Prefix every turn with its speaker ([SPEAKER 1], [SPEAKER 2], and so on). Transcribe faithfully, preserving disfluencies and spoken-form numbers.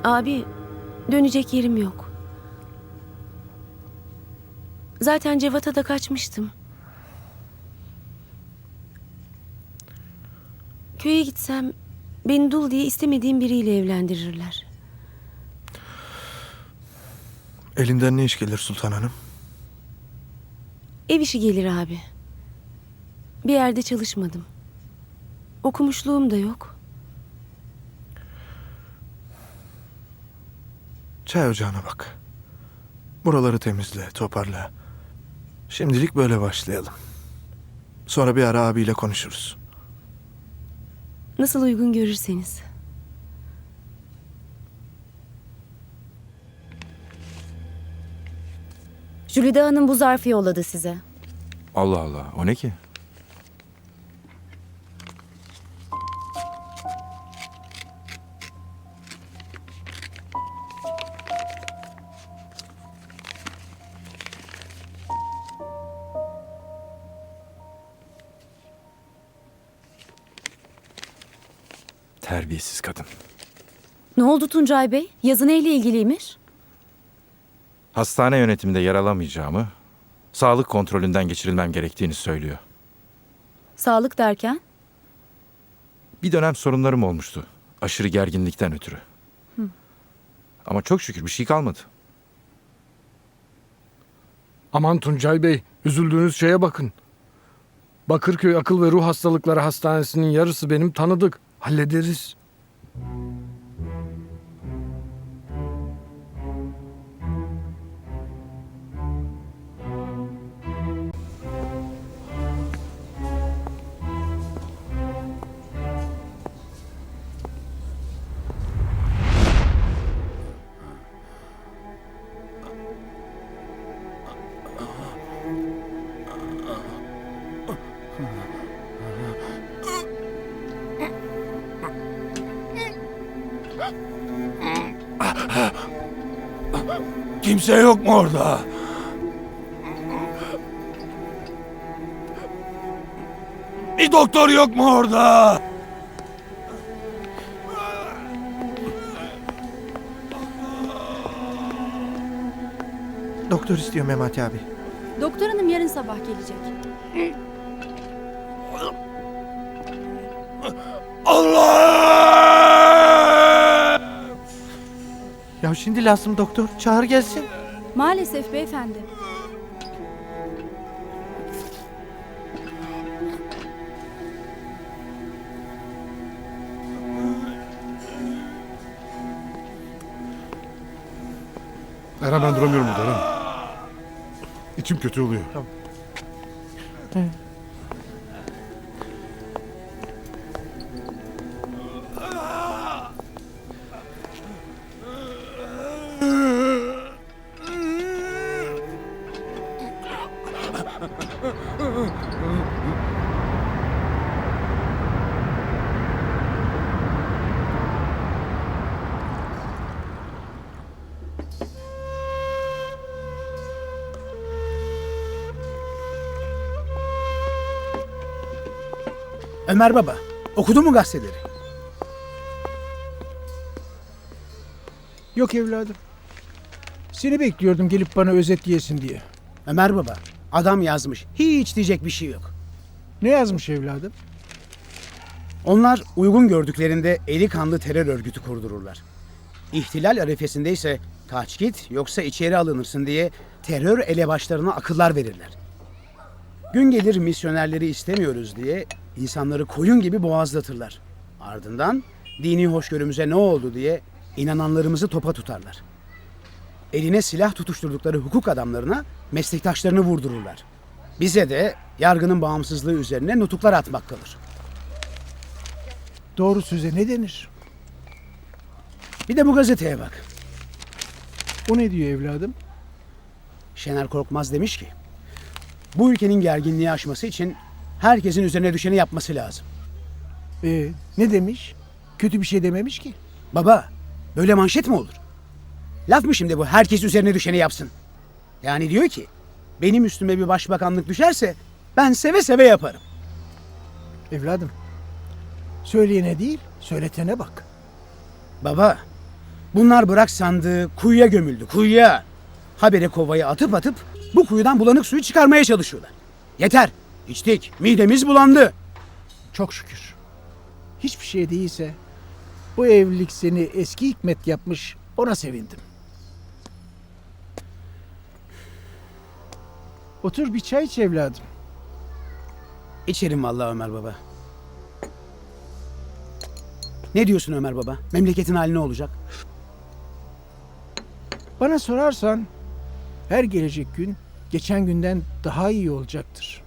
[SPEAKER 1] Abi, dönecek yerim yok. Zaten Cevat'a da kaçmıştım. Köye gitsem beni dul diye istemediğim biriyle evlendirirler.
[SPEAKER 2] Elinden ne iş gelir Sultan Hanım?
[SPEAKER 1] Ev işi gelir abi. Bir yerde çalışmadım. Okumuşluğum da yok.
[SPEAKER 2] Çay ocağına bak. Buraları temizle, toparla. Şimdilik böyle başlayalım. Sonra bir ara abiyle konuşuruz.
[SPEAKER 1] Nasıl uygun görürseniz.
[SPEAKER 3] Jülide Hanım bu zarfı yolladı size.
[SPEAKER 4] Allah Allah, o ne ki? Terbiyesiz kadın.
[SPEAKER 3] Ne oldu Tuncay Bey? Yazı neyle ilgiliymiş?
[SPEAKER 4] Hastane yönetiminde yer alamayacağımı, sağlık kontrolünden geçirilmem gerektiğini söylüyor.
[SPEAKER 3] Sağlık derken?
[SPEAKER 4] Bir dönem sorunlarım olmuştu. Aşırı gerginlikten ötürü.
[SPEAKER 3] Hı.
[SPEAKER 4] Ama çok şükür bir şey kalmadı.
[SPEAKER 5] Aman Tuncay Bey, üzüldüğünüz şeye bakın. Bakırköy Akıl ve Ruh Hastalıkları Hastanesi'nin yarısı benim tanıdık. Hallederiz.
[SPEAKER 2] Kimse yok mu orada? Bir doktor yok mu orada? Doktor istiyor Memati abi.
[SPEAKER 3] Doktor hanım yarın sabah gelecek.
[SPEAKER 2] Allah! Ya şimdi lazım doktor. Çağır gelsin.
[SPEAKER 3] Maalesef beyefendi.
[SPEAKER 6] Eren ben duramıyorum burada Eren. İçim kötü oluyor.
[SPEAKER 2] Tamam.
[SPEAKER 7] Ömer Baba, okudun mu gazeteleri?
[SPEAKER 8] Yok evladım. Seni bekliyordum gelip bana özetleyesin diye.
[SPEAKER 7] Ömer Baba, adam yazmış. Hiç diyecek bir şey yok.
[SPEAKER 8] Ne yazmış evladım?
[SPEAKER 7] Onlar uygun gördüklerinde eli kanlı terör örgütü kurdururlar. İhtilal arifesinde ise kaç git yoksa içeri alınırsın diye terör elebaşlarına akıllar verirler. Gün gelir misyonerleri istemiyoruz diye insanları koyun gibi boğazlatırlar. Ardından dini hoşgörümüze ne oldu diye inananlarımızı topa tutarlar. Eline silah tutuşturdukları hukuk adamlarına meslektaşlarını vurdururlar. Bize de yargının bağımsızlığı üzerine nutuklar atmak kalır.
[SPEAKER 8] Doğru söze ne denir?
[SPEAKER 7] Bir de bu gazeteye bak.
[SPEAKER 8] O ne diyor evladım?
[SPEAKER 7] Şener Korkmaz demiş ki, bu ülkenin gerginliği aşması için herkesin üzerine düşeni yapması lazım.
[SPEAKER 8] Ee, ne demiş? Kötü bir şey dememiş ki.
[SPEAKER 7] Baba, böyle manşet mi olur? Laf mı şimdi bu, herkes üzerine düşeni yapsın? Yani diyor ki, benim üstüme bir başbakanlık düşerse ben seve seve yaparım.
[SPEAKER 8] Evladım, söyleyene değil, söyletene bak.
[SPEAKER 7] Baba, Bunlar bırak sandığı kuyuya gömüldü, kuyuya. Habire kovayı atıp atıp bu kuyudan bulanık suyu çıkarmaya çalışıyorlar. Yeter, içtik, midemiz bulandı.
[SPEAKER 8] Çok şükür. Hiçbir şey değilse bu evlilik seni eski Hikmet yapmış, ona sevindim. Otur bir çay iç evladım.
[SPEAKER 7] İçerim vallahi Ömer Baba. Ne diyorsun Ömer Baba? Memleketin hali ne olacak?
[SPEAKER 8] Bana sorarsan her gelecek gün geçen günden daha iyi olacaktır.